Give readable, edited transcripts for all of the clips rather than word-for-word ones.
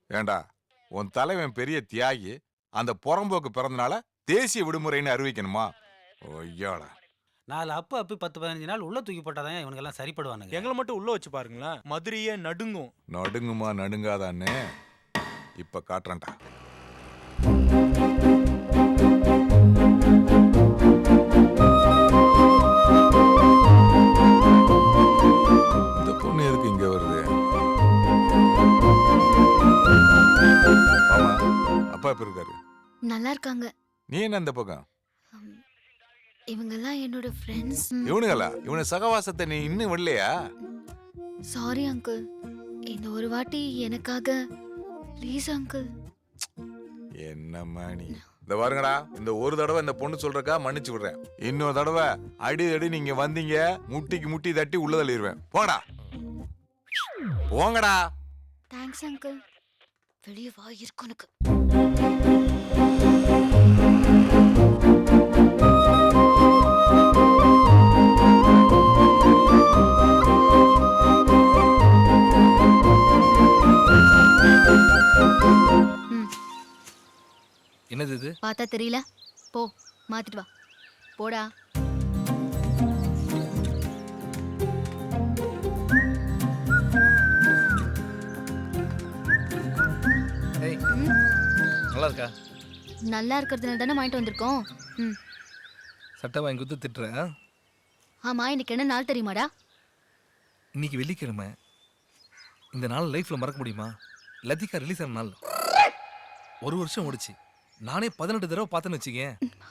ஏண்டா உன் தலைவன் பெரிய தியாகி, அந்த புறம்போக்கு பிறந்தனால தேசிய விடுமுறைன்னு அறிவிக்கணுமா? ஒய்யாடா. 4 அப்பு 10-15 நாள் உள்ள தூக்கி போட்டாதான் இவனுங்க எல்லாம் சரிப்படுவானுங்க. எங்களை மட்டும் உள்ள வச்சு பாருங்களேன், மதுரையே நடுங்கும். நடுங்குமா நடுங்காதான்னு இப்ப காட்டுறேன்டா. இந்த பொண்ணு எதுக்கு இங்க வருது? ஆமா, அப்பா எப்ப இருக்காரு? நல்லா இருக்காங்க. நீ என்ன இந்த பக்கம்? இவங்கெல்லாம் என்னோட ஃப்ரெண்ட்ஸ். இவனுங்களா? இவன சகவாசத்தை நீ இன்னும் விடலையா? Sorry uncle. இந்த ஒரு வாட்டி எனக்காக ப்ளீஸ் அங்கிள். என்னம்மா நீ? இந்த பாருங்கடா, இந்த ஒரு தடவை இந்த பொண்ணு சொல்றக்கா மன்னிச்சு விடுறேன். இன்னொரு தடவை அடி நீங்க வந்தீங்க, முட்டிக்கு முட்டி தட்டி உள்ள தள்ளிடுவேன். போடா, போங்கடா. Thanks uncle. வெளியே வா, இருக்கு உனக்கு. என்னது இது? பார்த்தா தெரியல? போ, மாத்திட்டு வா. போடா. ஏய், நல்லா இருக்கா? நல்லா இருக்கிறதுனால தானே வாங்கிட்டு வந்திருக்கோம். சட்டை வாங்கி கொடுத்து திட்டுறேன். ஆமா, இன்னைக்கு என்ன நாள் தெரியுமாடா? இன்னைக்கு வெள்ளிக்கிழமை. இந்த நாள் லைஃப்ல மறக்க முடியுமா? லத்திகா ரிலீஸ் ஆன நாள். 1 வருஷம் ஓடிச்சு. நானே 18 தடவை பார்த்தேன்னு வச்சுக்கேன்.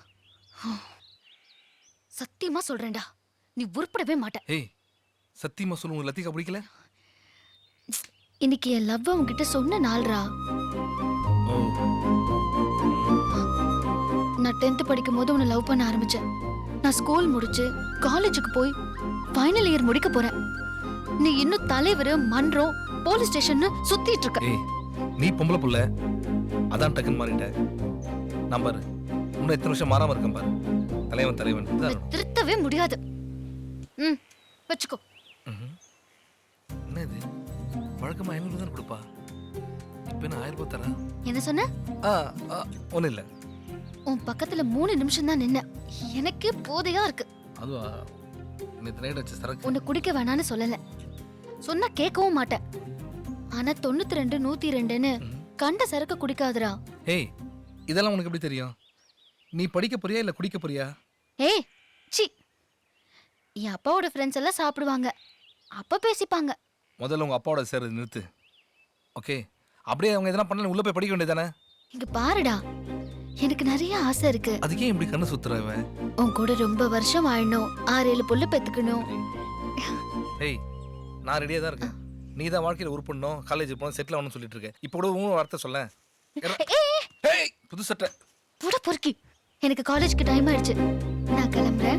சத்தியமா சொல்றேன்டா, நீ உருப்படவே மாட்ட. ஏய், சத்தியமா சொல்லு, உங்க லத்திகா பிடிக்கல? இன்னைக்கு என் லவ் உன்கிட்ட சொன்ன நாள்ரா. ஓ, நான் 10th படிக்கும் போது உன்னை லவ் பண்ண ஆரம்பிச்சேன். நான் ஸ்கூல் முடிச்சு காலேஜுக்கு போய் ஃபைனல் இயர் முடிக்க போறேன். நீ இன்னும் தலைவர், மன்றம், போலீஸ் ஸ்டேஷன் சுத்திட்டு இருக்க. ஏய், நீ பொம்பளை புள்ள, அதான் டக்குன்னு மாறிட்ட. நான் பாரு, இன்னும் எத்தனை வருஷம் மாறாம இருக்கேன் பாரு. தலைவன் உன்னை திருத்தவே முடியாது. வச்சுக்கோ. என்ன இது? வழக்கமா 500 தான் கொடுப்பா. இப்ப என்ன 1000 ரூபாய் தரா? என்ன சொன்ன? ஒன்றும் இல்லை. உன் பக்கத்துல 3 நிமிஷம் தான் நின்ன. எனக்கே போதையா இருக்கு. அதுவா, நேற்று நைட் வச்ச சரக்கு. உன்னை குடிக்க வேணான்னு சொல்லல, சொன்னா கேட்கவும் மாட்டேன். ஆனா 92 102ன்னு கண்ட சரக்கு குடிக்காதடா. ஏய், இதெல்லாம் உனக்கு எப்படி தெரியும்? நீ படிக்க போறியா இல்ல குடிக்க போறியா? ஏய், சி. என் அப்பாவோட ஃப்ரெண்ட்ஸ் எல்லாம் சாப்பிடுவாங்க, அப்ப பேசிப்பாங்க. முதல்ல உங்க அப்பாவோட சேர்றது நிறுத்து. ஓகே, அப்படியே அவங்க எதனா பண்ணல உள்ள போய் படிக்க வேண்டியதானே? இங்க பாருடா, எனக்கு நிறைய ஆசை இருக்கு. அதுக்கே இப்படி கண்ணு சுத்துறவ? உன் கூட ரொம்ப வருஷம் வாழணும், 6-7 புள்ள பெத்துக்கணும். ஏய், நான் ரெடியா தான் இருக்கேன். நீ தான் வாழ்க்கையில உருப்படணும், காலேஜ் போகணும், செட்டில் ஆகணும்னு சொல்லிட்டு இருக்க. இப்போ கூட உன் வார்த்தை சொல்ல. ஏய், புது சட்டை போட பொறுக்கி. எனக்கு காலேஜ்க்கு டைம் ஆயிடுச்சு, நான் கிளம்புறேன்.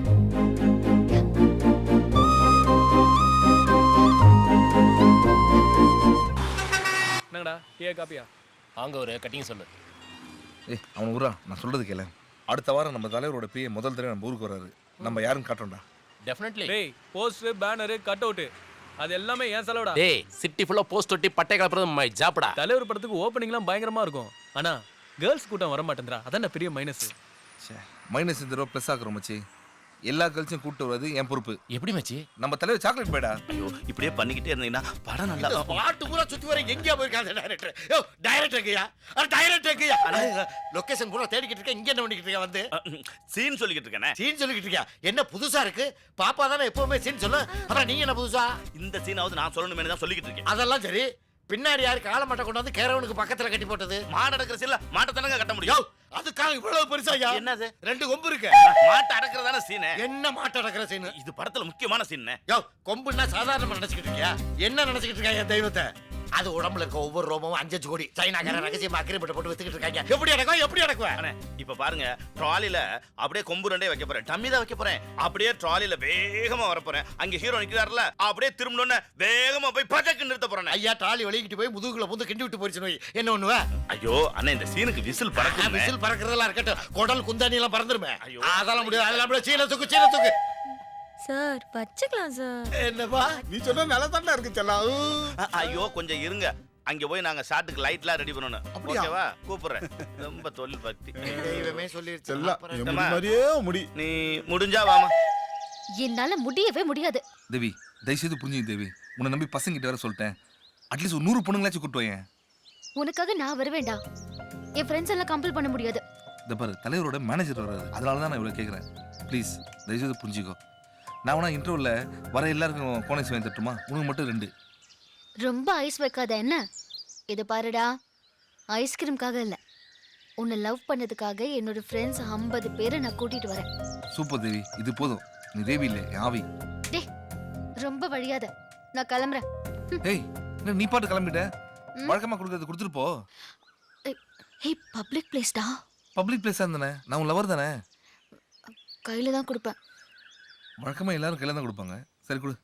என்னங்கடா, டீ காப்பியா? அங்க ஒரு கட்டிங் சொல்லு. ஏய், அவன் ஊரா, நான் சொல்றது கேள. அடுத்த வாரம் நம்ம தலைவரோட பிஏ முதல் தடவை நம்ம ஊருக்கு வராரு. நம்ம யாருன்னு காட்டுறோம்டா. டெஃபினெட்லி. டேய், போஸ்டர், பேனர், கட் அவுட், அது எல்லாமே ஏன் செலவுடா. டேய், சிட்டி ஃபுல்லா போஸ்ட் ஒட்டி பட்டை கலப்புறது மை ஜாப்டா. தலைவர் படத்துக்கு ஓப்பனிங்லாம் பயங்கரமா இருக்கும். ஆனா கேர்ள்ஸ் கூட்டம் வர மாட்டேன்றா. அதான் பெரிய மைனஸ். மைனஸ் இந்த ரூபா ப்ளஸ் ஆக்குறோம் மச்சி. எல்லா கல்ச்சரும் கூப்பிட்டு வருது என் பொறுப்பு. எப்படி மச்சி? நம்ம தலைவர் சாக்லேட் போய்டா. ஐயோ, இப்படியே பண்ணிக்கிட்டே இருந்தீங்கன்னா படம் நல்லா பாட்டு பூரா சுத்தி வர எங்கேயா போயிருக்காங்க டைரக்டர்? யோ, டைரக்டர் எங்கயா? டைரக்டர் எங்கயா? லொகேஷன் பூரா தேடிக்கிட்டு இருக்கேன். இங்க என்ன பண்ணிக்கிட்டு இருக்க வந்து? சீன் சொல்லிக்கிட்டு இருக்கேனே. சீன் சொல்லிக்கிட்டு இருக்கியா? என்ன புதுசா இருக்கு? பாப்பா தானே எப்பவுமே சீன் சொல்லு. அப்புறம் நீங்க என்ன புதுசா? இந்த சீனாவது நான் சொல்லணுமே தான் சொல்லிக்கிட்டு இருக்கேன். அதெல்லாம் சரி. பின்னாடி யாரு கால மாட்டை கொண்டு வந்து கேரவனுக்கு பக்கத்துல கட்டி போட்டது? மாடு அடக்கிற சீன்ல மாட்டை தானங்க கட்ட முடியும். அதுக்காக இவ்வளவு பெருசா? என்னது? 2 கொம்பு இருக்கு. மாட்டை அடக்கிறதான சீனு. என்ன மாட்டை அடக்கிற சீனு? இது படத்துல முக்கியமான சீன். யோ, கொம்புன்னா சாதாரணமா நினைச்சுக்கிட்டு இருக்கியா? என்ன நினைச்சுக்கிட்டு இருக்காங்க என் தெய்வத்தை? அது உடம்புல இருக்க ஒவ்வொரு ரோமமும் 5 கோடி சைனாக்கார ரகசியமா அக்ரிமெண்ட் போட்டு வித்துக்கிட்டு இருக்காங்க. எப்படி அடக்குவேன்? இப்ப பாருங்க, ட்ராலில அப்படியே கொம்பு 2 வைக்க போறேன், டம்மி தான் வைக்க போறேன். அப்படியே ட்ராலில வேகமா வர போறேன். அங்க ஹீரோ நிக்கிறாருல, அப்படியே திரும்பணும்னு வேகமா போய் பட்டக்கு நிறுத்த போறேன். ஐயா, ட்ராலி வலிக்கிட்டு போய் முதுகுல புந்து கிண்டி விட்டு போயிடுச்சு. நோய் என்ன ஒண்ணுவ? ஐயோ அண்ணா, இந்த சீனுக்கு விசில் பறக்குது. விசில் பறக்குறதெல்லாம் இருக்கட்டும், குடல் குந்தாணி எல்லாம் பறந்துருமே. ஐயோ, அதெல்லாம் முடியாது. அதெல்லாம் முடியாது. சீன தூக்கு. சார் வச்சுக்கலாம் சார். என்னப்பா நீ சொன்ன நல்லா தானே இருக்கு செல்லம். ஐயோ கொஞ்சம் இருங்க. அங்க போய் நாங்க ஷாட்டுக்கு லைட்லாம் ரெடி பண்ணணும். அப்படியா? ஓகேவா? கூப்பிடுறேன். ரொம்ப தொழில் பக்தி. தெய்வமே சொல்லிருச்சு. செல்லம், அப்புறம் என் ஏம்மா? முடி மாதிரியே முடி. நீ முடிஞ்சா வாமா. என்னால முடியவே முடியாது. தேவி தயவுசெய்து புரிஞ்சுங்க தேவி, உன்னை நம்பி பசங்க கிட்ட வர சொல்லிட்டேன். அட்லீஸ்ட் ஒரு 100 பொண்ணுங்களாச்சும் கூட்டு வாயேன். உனக்காக நான் வருவேண்டா. என் ஃப்ரெண்ட்ஸ் எல்லாம் கம்பல் பண்ண முடியாது. இந்த பாரு தலைவரோட மேனேஜர் வர்றாரு, அதனால தான் நான் இவ்வளோ கேட்குறேன். ப்ளீஸ் தயவுசெய்து புரிஞ்சுக்கோ. நான் வேணா இன்டர்வியூவில் வர எல்லாருக்கும் கோனைஸ் வாங்கி தட்டுமா? உனக்கு மட்டும் 2. ரொம்ப ஐஸ் வைக்காத என்ன? இது பாருடா, ஐஸ்கிரீம்காக இல்ல, உன்னை லவ் பண்ணதுக்காக என்னோட ஃப்ரெண்ட்ஸ் 50 பேரை நான் கூட்டிட்டு வரேன். சூப்பர் தேவி, இது போதும். நீ தேவி இல்லை, என் ஆவி. டேய், ரொம்ப வழியாத, நான் கிளம்புறேன். ஏய் என்ன நீ பாட்டு கிளம்பிட்ட? ம். வழக்கமாக கொடுக்கறது கொடுத்துட்டு போ. ஹே, பப்ளிக் பிளேஸ்டா, பப்ளிக் பிளேஸாக இருந்தானே, நான் உன் லவர் தானே. கையில தான் கொடுப்பேன். வழக்கமாக எல்லாரும் கையில் தான் கொடுப்பாங்க. சரி கொடு.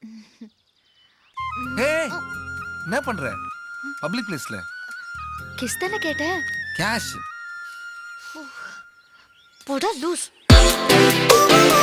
ஏய் என்ன பண்ற? பப்ளிக் பிளேஸ்ல கிஸ் தானே கேட்டேன். கேஷ். போடா லூஸ்.